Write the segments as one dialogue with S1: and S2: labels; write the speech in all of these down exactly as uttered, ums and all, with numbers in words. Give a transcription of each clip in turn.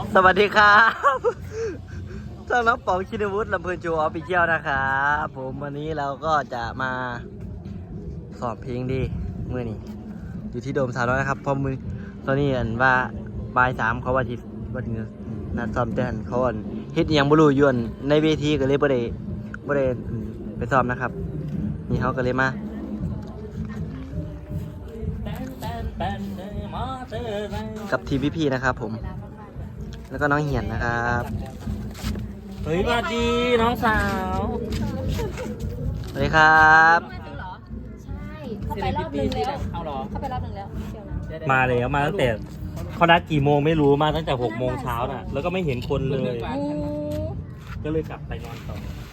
S1: สวัสดีครับช่องน้องป๋องชินวุฒิลำเพลินโชว์ออฟฟิเชียลนะครับผมวันนี้เราก็จะมาสอบเพลงดีเมื่อนี้อยู่ที่โดมสาวน้อยนะครับเพราะมือตอนนี้เห็นว่าบ่ายสามเขาว่าที่วันนี้นัดซ้อมแต่นเขาอ่อนเฮ็ดอหยังบ่รู้ยวนในเวทีก็เลยบ่ได้บ่ได้ไปซ้อมนะครับนี่เขาก็เลยมากับทีมพี่ๆนะครับผมแล้วก็น้องเหียนนะครับ
S2: เฮ้ยสวัสดีน้องสาว
S1: สวัสดีครับ
S3: ใช่เขาไปรอบนึงแล้ว
S2: เอาหรอ
S3: เขาไปรอบนึงแล้วเชียวนะ
S2: มาเลยมาตั้งแต่เขานัดกี่โมงไม่รู้มาตั้งแต่หกโมงเช้าน่ะแล้วก็ไม่เห็นคนเลย
S3: โอ้
S2: ก็เลยกลับไปนอนต่อ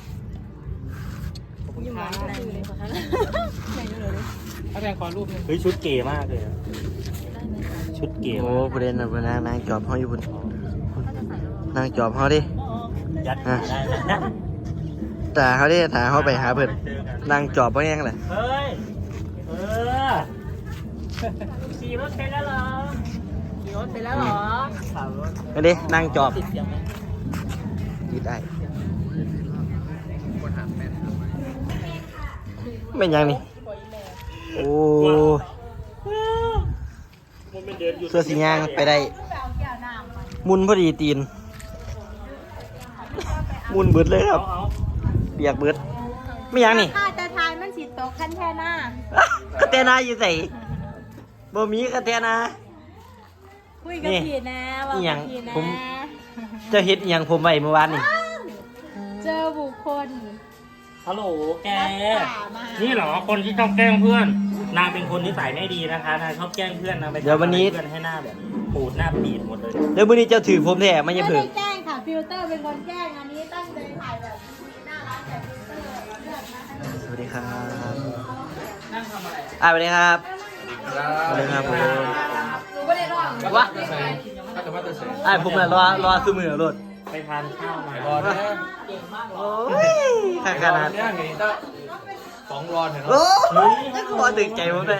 S3: ยิ่งหวานอะไรอยู่เลยคะไหนดูเลย
S2: ถ้าแพงขอรูปเฮ้ยชุดเก๋มากเลยอะชุดเก๋
S1: โอ้
S2: มาก
S1: ประเด็นนะประเด็นนางจอบเขาอยู่บนนางจอบเขาดิ
S2: ยัดได้นะ
S1: ตาเขาดิตาเขาไปหาเพื่อนนางจอบเขาแยังไง
S2: เฮ้ยเออขี่รถไปแล้วเหรอขี่รถไปแล้วเหรอขับรถ
S1: มาดินางจอบ
S2: ติดเสียงไหม
S1: ยิดได้เป็นยังนี่โอ้เสื้อสีย่างไปได้มุนพอดีตีนมุนเบิดเลยครับเบียกเบิดไม่ยังนี่
S3: ถ้าจะทายมันสีโตขั้นแท่หน้า
S1: คาเตนาอยู่ใส่บ่มีคาเตนา
S3: คุยกับพี่นะบอกกับพี่นะ
S1: เจะเฮ็ดอหยังผมไว้เมื่อวานนี่
S3: เจอบุคคล
S2: ฮัลโหลแก
S3: รักษามานี่
S2: นี่เหรอคนที่ชอบแกล้งเพื่อน นางเป็นคนนิสัยไม่ดีนะคะนางชอบแกล้งเพื่อนนางไปทำอะไรเพื่อนให้หน้าแบบปูดหน้าปีดหมดเลย
S1: เดี๋ยวมื้อนี้เจ้าถือผมแท้ไม่
S3: ไม่
S1: ใช่
S3: ได้
S1: เพิ่ง
S3: แกล้งค่ะฟิลเตอร์เป็นคนแกล้งอันนี้ตั้งใจถ่ายแบบน่ารักแต่ฟิลเตอร์เลือกมาให้
S1: สวัสดีครับ
S3: นั่งทำอะไร
S1: อ่าสวัสดีครับสวัสดีครับผม
S3: หนูไม่ได้ร้อง
S1: วะอ่าผมน่ะรอรอซื้อมือรถ
S2: ไปทานข้าวมา
S4: รอนะ
S1: โอ้ยขนาดนั้น
S4: เนี่ยไงตั้งสองรอนเห็นไหม
S1: โอ้ยจะขอดึงใจผมเลย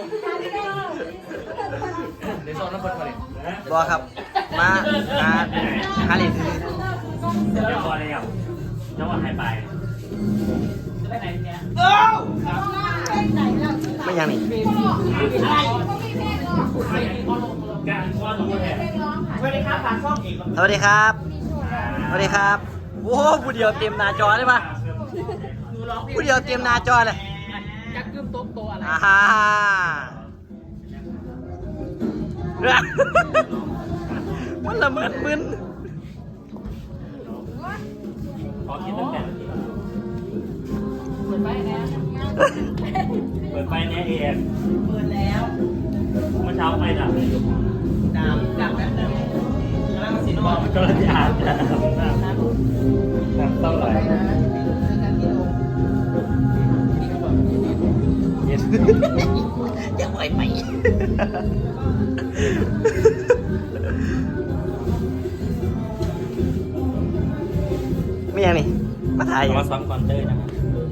S4: เดี๋ยวโซนน้ำเพิ่นมาเลย
S1: รอครับมาหาหาเหรียญซื้อ
S2: เดี๋ยวพอแล้วจังหวะหายไปจะไปไหนเนี่ย
S1: ไม่ยังนี่
S2: การช้อนของคนแห่สวัสดีครับฝากช่องอีก
S1: สวัสดีครับสวัสดีครับโอ้ผู้เดียวเต็มหน้าจอเลยปะผู้เดียวเต็มหน้าจอเลย
S2: จักกึ้มโต๊ะโตอะไร
S1: อ่าฮ่ามันละเมิดมึน
S2: ขอคิดตั้งแต่เปิดไฟแน่เปิดไฟแน่เองเปิดแล้วเมื่อเช้าไฟดับเลยดับดับแป๊บนึงกำลังสินบอกกำลังจะอาบน้ำน้ำน้ำเท่าไหร่เย็น
S1: จะไหวไหมไม่ยังนี่มาถ่ายอยู่
S2: มาซ้อมก่อนเต้ยนะครับ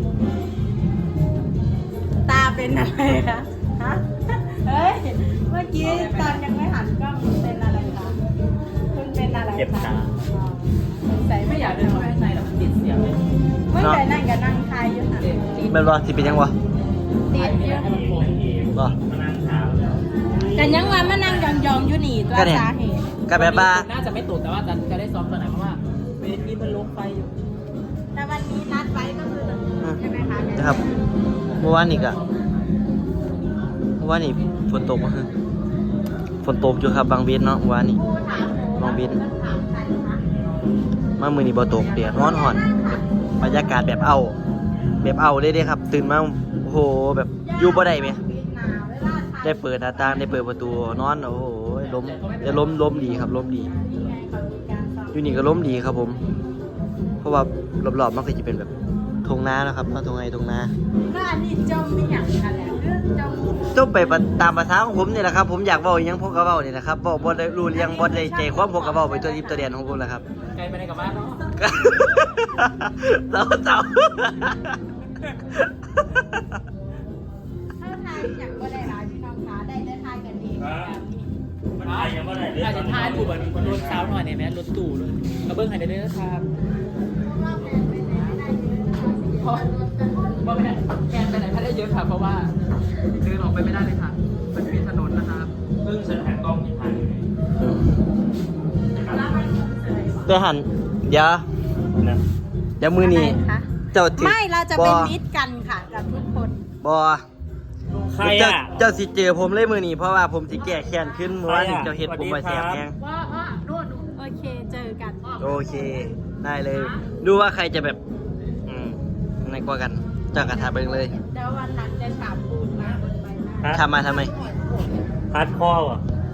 S3: ตาเป็นอะไรคะฮะเฮ้ยเมื่อกี้ตอนยังไม่หันกล้องเป็นอะไรคะคุณเป็นอะไรคะ
S2: เจ็บตา
S3: ใส่ไม่อยากเดินเข้าไปข้างในแล้วมันติดเสียงเลยไม่แต่นั่งกับนั่งทายอยู่ค่ะติด
S1: เป็นบ่สิเป็นยังวะ
S3: ติดอยู่
S1: บ่
S2: มานั่งเช้าแล้ว
S3: แต่ยังว่ามานั่งยองๆอยู่นี่ตัวสาเหตุ
S1: ก็แบบว่า
S5: น่าจะไม่ตูดแต่ว่าจะจะได้ซ้อมตอนไหนเพราะว่าเวทีมันลงไฟอยู่
S3: แต่วันนี้นัดไว้ก็คือใช่ไหมคะ
S1: นะครับเมื่อวานนี่ก็เมื่อวานนี่ฝนตกมาฮะฝนตกอยู่ครับบางเวียนเนาะเมื่อวานนี่
S3: ถาม
S1: บางเวียน
S3: ถามใครคะ
S1: มามือนี่บ่ตกเดียดร้อนห่อนบรรยากาศแบบเอาแบบเอาเลยเด้ครับ ตื่นมาโอ้โหแบบอยู่บ่ได้ไหม
S3: บินหนาวเวลาทาย
S1: ได้เปิดหน้าต่างได้เปิดประตูนอนโอ้โหลมได้ลมลมดีครับลมดี
S3: นี่ไงเขามีการซ้อม
S1: อยู่นี่ก็ลมดีครับผม เพราะว่ารอบๆมันก็จะเป็นแบบทงนานะครับเนาะทงไงทงนา
S3: แล้วอันนี้จมไม่อย่างกันแหละเรื่องจม
S1: ต้องไปตามภาษาของผมนี่แหละครับผมอยากเว้าอหยังผมก็เว้านี่แหละครับบ่บ่ได้รู้เรื่องบ่ได้ใจความผมก็เว้าไปตัวทิพย์ตัวเดียนของผมแหละครับ
S5: ไกลไปในกับบ้านเนาะ
S1: เจ้าเจ้า
S3: ถ้าทายอย่างก็ได้หลายพี่น้องคะได้ได้ทายกันเองแบบนี้
S2: ใครยังไม่ได้เลือ
S5: อาจ
S2: ก
S5: จะท่าดูแบบรถสาวหน่อยเนี่ยแม่รถตู่เลยกระเบื้องหายได้เลยนะครับเพราะว่าไม่ได้แกนไปไหนไม่ได้เยอะค่ะเพราะว่าเดินออกไปไม่ได้เลยค่ะมันเป็นถนนนะครับ
S2: เพิ่งฉันหันกล้องที่พัน
S1: อืมตัวหันเดี๋ยว
S2: นะ
S1: เดี๋ยวมือนี้
S3: อะไรคะ
S1: เจ้าติ
S3: ไม่เราจะเป็น
S1: บ่
S3: มิตรกันค่ะกับทุกคน
S1: บอ
S2: ใคร
S1: เจ้า
S2: อ่ะ
S1: เจ้าสิเจอผมเลยมือนี้เพราะว่าผมสิแก้แค้นขึ้นเมื่อวานนี้
S2: ใครอะ
S1: เจ้าเฮ็ดผมมาแสบแฮง
S5: ว่าว่าโน่น
S3: โอเคเจอกัน
S1: โอเค ได้เลย ดูว่าใครจะแบบ อืมในกว่ากันเจ้ากระทาเบิงเลย
S3: เดี๋ยววันหลังจะฉาบปูนมาบนใบหน้า
S1: ทำมาทำไม
S2: ฮาร์ดคอร์อ่ะ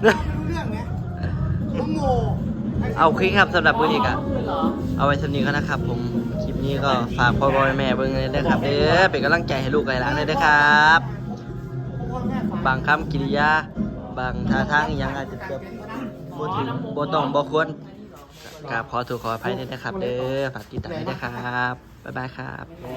S1: เอาคลิปครับสำหรับมือนี้กะเอาไว้สำนี้ก็นะครับ ผมคลิปนี้ก็ฝากพ่อพ่อแม่เบิ่งเลยนะครับเด้อเป็นกำลังใจให้ลูกไก่หลานเลยนะครับ บางคำกิริยา บางท่าทางอหยังอาจจะแบบบ่ถึงบ่ต้องบ่ควรกราบขอโทษขออภัยด้วยนะครับ เด้อฝากติดตามด้วยนะครับบ๊ายบายครับ